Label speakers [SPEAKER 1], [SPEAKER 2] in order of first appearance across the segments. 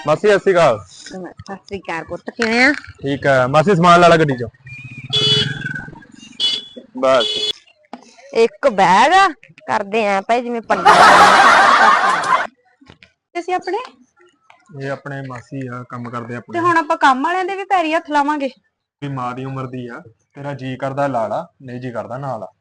[SPEAKER 1] ਮਾਸੀ ਸਤਿ ਸ਼੍ਰੀ ਅਕਾਲ।
[SPEAKER 2] ਸਤਿ ਸ੍ਰੀ ਅਕਾਲ ਪੁੱਤ, ਕਿਵੇਂ ਆ?
[SPEAKER 1] ਠੀਕ ਹੈ ਮਾਸੀ, ਸਮਾਨ ਲਾ ਲਾ ਗੱਡੀ ਚੋਂ ਬਸ।
[SPEAKER 2] ਇੱਕ ਬੈਗ ਕਰਦੇ ਆ ਭਾਈ ਜਿਵੇਂ ਪੰਡਾ
[SPEAKER 3] ਅਸੀਂ ਆਪਣੇ
[SPEAKER 1] ਇਹ ਆਪਣੇ ਮਾਸੀ ਆ, ਕੰਮ ਕਰਦੇ
[SPEAKER 3] ਤੇ
[SPEAKER 1] ਆਪਣੇ।
[SPEAKER 3] ਹੁਣ ਆਪਾਂ ਕੰਮ ਵਾਲਿਆਂ ਦੇ ਵੀ ਪੈਰੀ ਹੱਥ ਲਾਵਾਂਗੇ।
[SPEAKER 1] ਵੀ ਮਾਂ ਦੀ ਉਮਰ ਦੀ ਆ, ਤੇਰਾ ਜੀ ਕਰਦਾ ਲਾ ਲਾ, ਨਹੀਂ ਜੀ ਕਰਦਾ ਨਾ ਲਾ।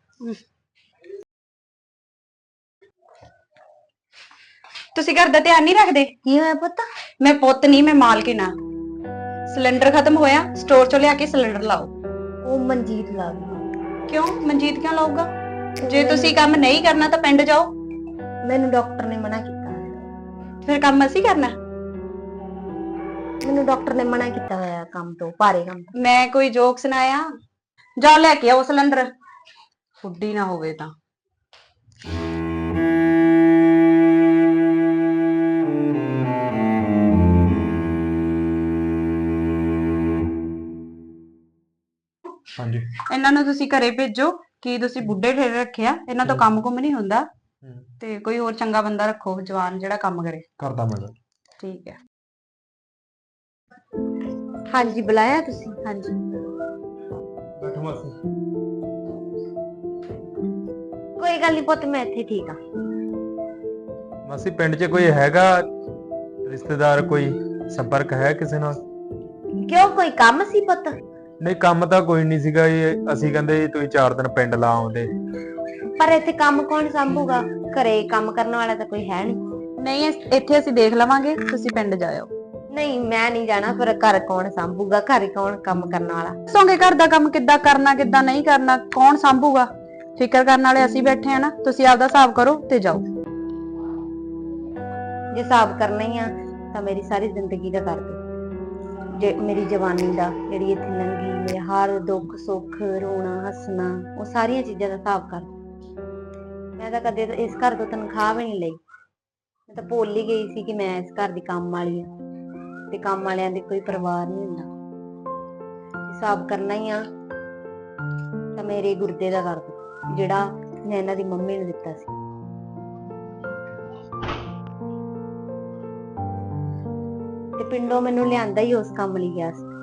[SPEAKER 3] ਤੁਸੀਂ ਘਰ ਦਾ ਧਿਆਨ ਨਹੀਂ ਰੱਖਦੇ?
[SPEAKER 2] ਕੀ ਹੋਇਆ ਪੁੱਤ?
[SPEAKER 3] ਮੈਂ ਪੁੱਤ ਨਹੀਂ, ਮੈਂ ਮਾਲਕਿਨ ਆ। ਸਿਲੰਡਰ ਖਤਮ ਹੋਇਆ, ਸਟੋਰ ਚੋਂ ਲਿਆ ਕੇ ਸਿਲੰਡਰ ਲਾਓ।
[SPEAKER 2] ਉਹ ਮਨਜੀਤ ਲਾ ਗਈ।
[SPEAKER 3] ਕਿਉਂ ਮਨਜੀਤ ਕਿਉਂ ਲਾਊਗਾ? ਜੇ ਤੁਸੀਂ ਕੰਮ ਨਹੀਂ ਕਰਨਾ ਤਾਂ ਪਿੰਡ ਜਾਓ।
[SPEAKER 2] ਮੈਨੂੰ ਡਾਕਟਰ ਨੇ ਮਨਾ ਕੀਤਾ।
[SPEAKER 3] ਫਿਰ ਕੰਮ ਅਸੀਂ ਕਰਨਾ?
[SPEAKER 2] ਮੈਨੂੰ ਡਾਕਟਰ ਨੇ ਮਨਾ ਕੀਤਾ ਹੋਇਆ ਕੰਮ ਤੋਂ, ਭਾਰੇ ਕੰਮ ਤੋਂ।
[SPEAKER 3] ਮੈਂ ਕੋਈ ਜੋਕ ਸੁਣਾਇਆ? ਜਾਓ ਲੈ ਕੇ ਆਓ ਸਿਲੰਡਰ, ਫੁੱਡੀ ਨਾ ਹੋਵੇ ਤਾਂ।
[SPEAKER 1] ਹਾਂਜੀ।
[SPEAKER 3] ਇਹਨਾਂ ਨੂੰ ਤੁਸੀਂ ਘਰੇ ਭੇਜੋ ਕਿ ਤੁਸੀਂ ਬੁੱਢੇ ਠੇਰੇ ਰੱਖਿਆ, ਇਹਨਾਂ ਤੋਂ ਕੰਮ ਕੁਮ ਨਹੀਂ ਹੁੰਦਾ। ਤੇ ਕੋਈ ਹੋਰ ਚੰਗਾ ਬੰਦਾ ਰੱਖੋ ਜਵਾਨ ਜਿਹੜਾ ਕੰਮ ਕਰੇ।
[SPEAKER 1] ਕਰਦਾ ਮੈਂ।
[SPEAKER 3] ਠੀਕ ਹੈ।
[SPEAKER 2] ਹਾਂਜੀ ਬੁਲਾਇਆ ਤੁਸੀਂ?
[SPEAKER 3] ਹਾਂਜੀ
[SPEAKER 1] ਬੈਠੋ ਮਾਸੀ।
[SPEAKER 2] ਕੋਈ ਗੱਲ ਨਹੀਂ ਪੁੱਤ, ਮੈਂ ਇੱਥੇ ਠੀਕ ਆ।
[SPEAKER 1] ਮਾਸੀ ਪਿੰਡ 'ਚ ਕੋਈ ਹੈਗਾ ਰਿਸ਼ਤੇਦਾਰ, ਕੋਈ ਸੰਪਰਕ ਹੈ ਕਿਸੇ ਨਾਲ?
[SPEAKER 2] ਕਿਉਂ, ਕੋਈ ਕੰਮ ਸੀ ਪੁੱਤ?
[SPEAKER 1] ਨਹੀਂ ਕੰਮ ਤਾਂ ਕੋਈ ਨਹੀਂ ਸੀਗਾ ਜੀ, ਅਸੀਂ ਕਹਿੰਦੇ ਜੀ ਤੁਸੀਂ 4 ਦਿਨ ਪਿੰਡ ਲਾ ਆਉਂਦੇ।
[SPEAKER 2] ਪਰ ਇੱਥੇ ਕੰਮ ਕੌਣ ਸੰਭੂਗਾ? ਘਰੇ ਕੰਮ ਕਰਨ ਵਾਲਾ ਤਾਂ ਕੋਈ ਹੈ ਨਹੀਂ।
[SPEAKER 3] ਨਹੀਂ, ਇੱਥੇ ਅਸੀਂ ਦੇਖ ਲਵਾਂਗੇ, ਤੁਸੀਂ ਪਿੰਡ ਜਾਇਓ।
[SPEAKER 2] ਨਹੀਂ ਮੈਂ ਨਹੀਂ ਜਾਣਾ, ਫਿਰ ਘਰ ਕੌਣ ਸੰਭੂਗਾ? ਘਰੇ ਕੌਣ ਕੰਮ ਕਰਨ ਵਾਲਾ?
[SPEAKER 3] ਦੱਸੋਗੇ ਘਰ ਦਾ ਕੰਮ ਕਿੱਦਾਂ ਕਰਨਾ, ਕਿੱਦਾਂ ਨਹੀਂ ਕਰਨਾ, ਕੌਣ ਸੰਭੂਗਾ? ਫਿਕਰ ਕਰਨ ਵਾਲੇ ਅਸੀਂ ਬੈਠੇ ਆ ਨਾ, ਤੁਸੀਂ ਆਪਦਾ ਹਿਸਾਬ ਕਰੋ ਤੇ ਜਾਓ।
[SPEAKER 2] ਜੇ ਹਿਸਾਬ ਕਰਨਾ ਹੀ ਆ ਤਾਂ ਮੇਰੀ ਸਾਰੀ ਜ਼ਿੰਦਗੀ ਦਾ ਕਰ ਦਿਓ। ਜੇ ਮੇਰੀ ਜਵਾਨੀ ਦਾ ਜਿਹੜੀ ਇੱਥੇ ਲੰਘੀ, ਮੇਰੇ ਹਰ ਦੁੱਖ ਸੁੱਖ, ਰੋਣਾ ਹੱਸਣਾ, ਉਹ ਸਾਰੀਆਂ ਚੀਜ਼ਾਂ ਦਾ ਹਿਸਾਬ ਕਰ ਦਿਓ। ਮੈਂ ਤਾਂ ਕਦੇ ਇਸ ਘਰ ਤੋਂ ਤਨਖਾਹ ਵੀ ਨਹੀਂ ਲਈ। ਮੈਂ ਤਾਂ ਭੁੱਲ ਹੀ ਗਈ ਸੀ ਕਿ ਮੈਂ ਇਸ ਘਰ ਦੀ ਕੰਮ ਵਾਲੀ ਆ, ਤੇ ਕੰਮ ਵਾਲਿਆਂ ਦੇ ਕੋਈ ਪਰਿਵਾਰ ਨਹੀਂ ਹੁੰਦਾ। ਹਿਸਾਬ ਕਰਨਾ ਹੀ ਆ ਤਾਂ ਮੇਰੇ ਗੁਰਦੇ ਦਾ ਕਰ ਦਿਓ, ਜਿਹੜਾ ਮੈਂ ਇਹਨਾਂ ਦੀ ਮੰਮੀ ਨੂੰ ਦਿੱਤਾ ਸੀ। ਤੇ ਪਿੰਡੋਂ ਮੈਨੂੰ ਲਿਆਂਦਾ ਹੀ ਉਸ ਕੰਮ ਲਈ ਗਿਆ ਸੀ।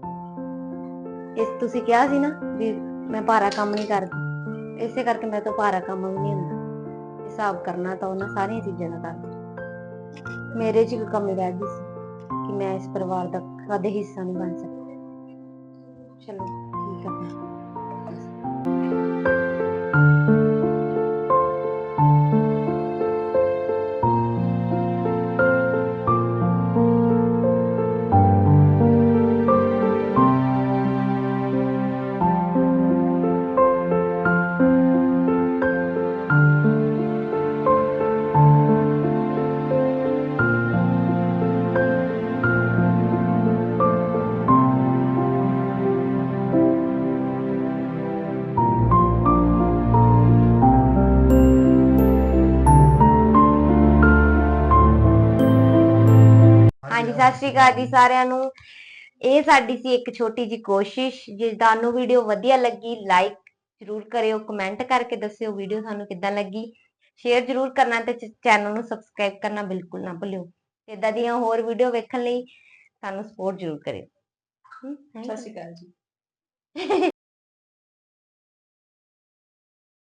[SPEAKER 2] ਤੁਸੀਂ ਕਿਹਾ ਸੀ ਨਾ ਵੀ ਮੈਂ ਭਾਰਾ ਕੰਮ ਨਹੀਂ ਕਰਦੀ, ਇਸੇ ਕਰਕੇ ਮੇਰੇ ਤੋਂ ਭਾਰਾ ਕੰਮ ਵੀ ਨਹੀਂ ਹੁੰਦਾ। ਹਿਸਾਬ ਕਰਨਾ ਤਾਂ ਉਹਨਾਂ ਸਾਰੀਆਂ ਚੀਜ਼ਾਂ ਦਾ ਕਰਦੀ। ਮੇਰੇ 'ਚ ਇੱਕ ਕਮੀ ਰਹਿ ਗਈ ਸੀ ਕਿ ਮੈਂ ਇਸ ਪਰਿਵਾਰ ਦਾ ਕਦੇ ਹਿੱਸਾ ਨਹੀਂ ਬਣ ਸਕਦੀ। ਚਲੋ ਠੀਕ ਆ। ਹਾਂਜੀ ਸਤਿ ਸ਼੍ਰੀ ਅਕਾਲ ਜੀ ਸਾਰਿਆਂ ਨੂੰ। ਇਹ ਸਾਡੀ ਸੀ ਇੱਕ ਛੋਟੀ ਜੀ ਕੋਸ਼ਿਸ਼। ਜੇ ਤੁਹਾਨੂੰ ਵੀਡੀਓ ਵਧੀਆ ਲੱਗੀ ਲਾਈਕ ਜਰੂਰ ਕਰਿਓ, ਕਮੈਂਟ ਕਰਕੇ ਦੱਸਿਓ ਵੀਡੀਓ ਤੁਹਾਨੂੰ ਕਿੱਦਾਂ ਲੱਗੀ, ਸ਼ੇਅਰ ਜਰੂਰ ਕਰਨਾ ਤੇ ਚੈਨਲ ਨੂੰ ਸਬਸਕ੍ਰਾਈਬ ਕਰਨਾ ਬਿਲਕੁਲ ਨਾ ਭੁੱਲਿਓ। ਇਦਾਂ ਦੀਆਂ ਹੋਰ ਵੀਡੀਓ ਵੇਖਣ ਲਈ ਸਾਨੂੰ ਸਪੋਰਟ ਜਰੂਰ ਕਰਿਓ।
[SPEAKER 3] ਸਤਿ ਸ਼੍ਰੀ ਅਕਾਲ ਜੀ।